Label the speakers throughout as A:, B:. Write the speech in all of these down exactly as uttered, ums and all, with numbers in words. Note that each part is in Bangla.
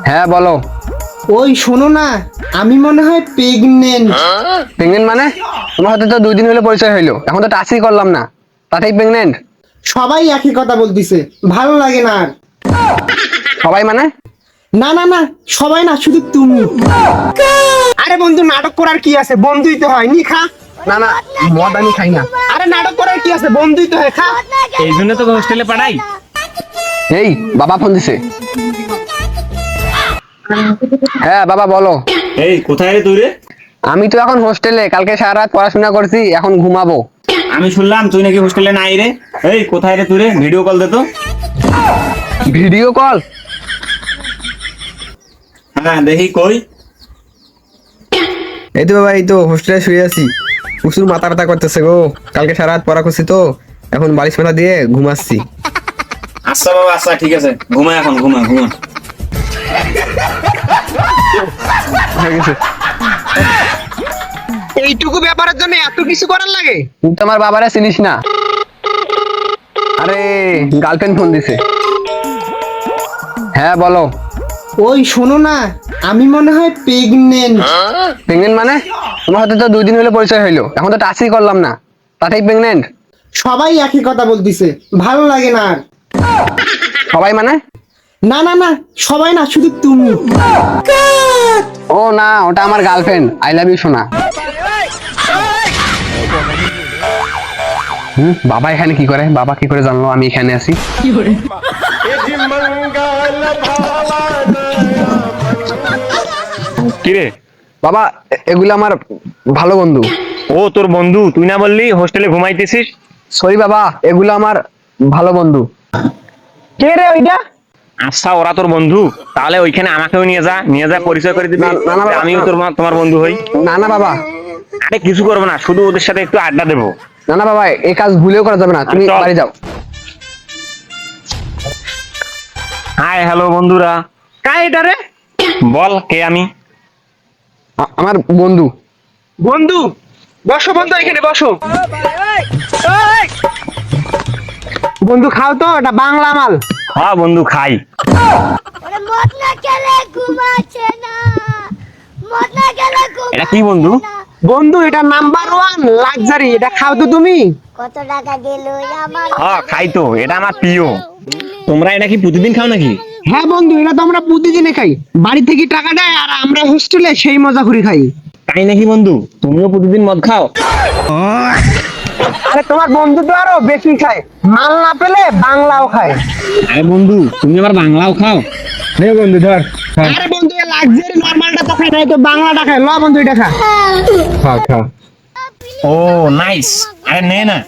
A: হ্যাঁ বলো।
B: ওই শোনো না, আমি মনে হয় প্রেগনেন্ট।
A: প্রেগনেন্ট মানে? তোমার সাথে তো দুই দিন হলো পরিচয় হইলো, এখন তো টাচই করলাম না, তাতেই প্রেগনেন্ট?
B: সবাই একই কথা বলতিছে, ভালো লাগে না আর।
A: সবাই মানে?
B: না না না, সবাই না, শুধু তুমি। আরে বন্ধু, নাটক করার কি আছে, বন্ধুই তো হয়, নি খা।
A: না না, মদ আমি খাই না।
B: আরে নাটক করার কি আছে, বন্ধুই তো হয়, খা।
C: এই জন্য তো হোস্টেলে পাঠাই।
A: এই বাবা ফোন দিছে। হ্যাঁ বাবা বলো।
C: এই কোথায় রে তুই রে?
A: আমি তো এখন হোস্টেলে, কালকে সারা রাত পড়াশোনা করছি, এখন ঘুমাবো।
C: আমি শুনলাম তুই নাকি হোস্টেলে নাই রে। এই কোথায় রে তুই রে? ভিডিও কল দে তো।
A: Video call?
C: হ্যাঁ দেখি কই।
D: এই তো বাবা, এই তো হোস্টেলে শুয়ে আছি। প্রচুর মাথা ব্যথা করতেছে গো, কালকে সারা রাত পড়া করছি তো, এখন বালিশ মেলা দিয়ে ঘুমাচ্ছি।
C: আচ্ছা বাবা, আচ্ছা ঠিক আছে, ঘুমা এখন, ঘুমা ঘুমা।
A: হয়ে গেছে।
B: এইটুকু ব্যাপারের জন্য এত কিছু করার লাগে?
A: তুই তো আমার বাবারে চিনিস না। আরে গার্লফ্রেন্ড ফোন দিছে। হ্যাঁ বলো।
B: ওই শোনো না, আমি মনে হয় প্রেগনেন্ট।
A: প্রেগনেন্ট মানে? তোমার সাথে তো দুই দিন হলো পরিচয় হইলো, এখন তো টাচই করলাম না, তাতেই প্রেগনেন্ট?
B: সবাই একই কথা বলতিছে, ভালো লাগে না আর।
A: সবাই মানে?
B: না না না, সবাই না, শুধু তুমি।
A: ও না, ওটা আমার গার্লফ্রেন্ড। আই লাভ ইউ সোনা। হুম, বাবা এখানে কি করে? বাবা কি করে জানলো আমি এখানে আছি?
C: কি রে?
A: বাবা এ- এগুলো আমার ভালো বন্ধু।
C: ও তোর বন্ধু? তুই না বললি হোস্টেলে ঘুমাইতেছিস?
A: সরি বাবা, এগুলো আমার ভালো বন্ধু।
B: কে রে ওইটা?
C: আচ্ছা ওরা তোর বন্ধু, তাহলে ওইখানে আমাকেও নিয়ে যা, নিয়ে যা পরিচয় করে দিবি,
A: না, না, না,
C: যে আমিও তোর মা- তোমার বন্ধু হই।
A: না না বাবা,
C: আরে কিছু করবো না, শুধু ওদের সাথে একটু আড্ডা দেবো।
A: না না বাবা, এই কাজ ভুলেও করা যাবে না, তুমি
C: চল।
A: বাড়ি যাও।
C: হাই হ্যালো বন্ধুরা।
B: কাই এটা রে?
C: বল কে আমি?
A: আ- আমার বন্ধু।
B: বন্ধু? বসো বন্ধু, এখানে বসো। বন্ধু খাও তো, এটা বাংলা মাল।
C: হ্যাঁ বন্ধু খাই।
E: ওরে মদ না খেলে ঘুমাচ্ছে না, মদ না খেলে ঘুমাচ্ছে
C: এটা কি বন্ধু?
E: না।
B: বন্ধু এটা নাম্বার ওয়ান লাক্সারি, এটা খাও তো তুমি।
E: কত টাকা দিল আমার?
C: হ্যাঁ খাই তো, এটা আমার প্রিয়। তোমরা এটা কি প্রতিদিন খাও নাকি?
B: হ্যাঁ বন্ধু, এটা তো আমরা প্রতিদিনে খাই, বাড়ি থেকে টাকা দেয় আর আমরা হোস্টেলে সেই মজা করে খাই।
C: তাই নাকি বন্ধু? তুমিও প্রতিদিন মদ খাও?
B: আরে তোমার বন্ধু তো আরো বেশি খায়, মাল না পেলে বাংলাও খায়।
C: আরে বন্ধু তুমি আবার বাংলাও খাও?
D: নে বন্ধু ধর,
B: আরে বন্ধু লাক্সারি নরমালটা তো খায় না, তো বাংলাটা খায়। ল বন্ধু এটা খা।
D: খা খা।
C: ও নাইস, আরে নে না।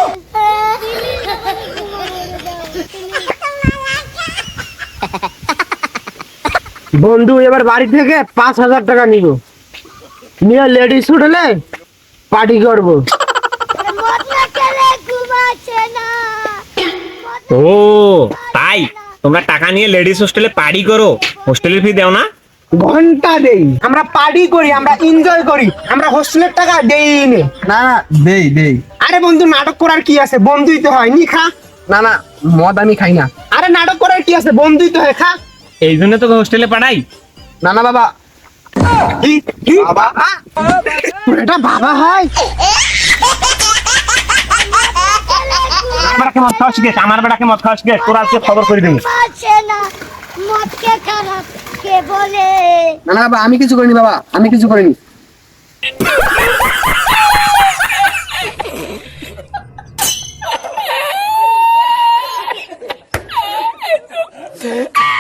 B: বন্ধু এবার বাড়ি থেকে পাঁচ হাজার টাকা নিব, নিয়ে লেডিস হোটেলে পার্টি করবো।
E: ওরে মদ না খেলে ঘুমাচ্ছে না।
C: ও তাই তোমরা টাকা নিয়ে লেডিস হোস্টেলে পার্টি করো, হোস্টেলের ফি দাও না?
B: ঘন্টা দেই, আমরা পার্টি করি, আমরা এনজয় করি, আমরা হোস্টেলের টাকা দেই নে।
D: না না, দেই দেই।
B: আরে বন্ধু, নাটক করার কি আছে, বন্ধুই তো হয়, নি খা।
A: না না, মদ আমি খাই না।
B: আরে নাটক করার কি আছে, বন্ধুই তো হয়, খা।
C: এই জন্য তো হোস্টেলে পাঠাই।
A: না না বাবা।
B: কি কি বাবা? তোর এটা বাবা হয়?
C: আমার বেটাকে মদ খাওয়া শিখেছ, আমার বেটাকে মদ খাওয়া শিখেছ, তোরা আজকে খবর করে দেবো।
E: ঘুমাচ্ছে না, মদ কে খারাপ কে বলে?
A: না না বাবা, আমি কিছু করিনি বাবা, আমি কিছু করিনি।
E: Ah!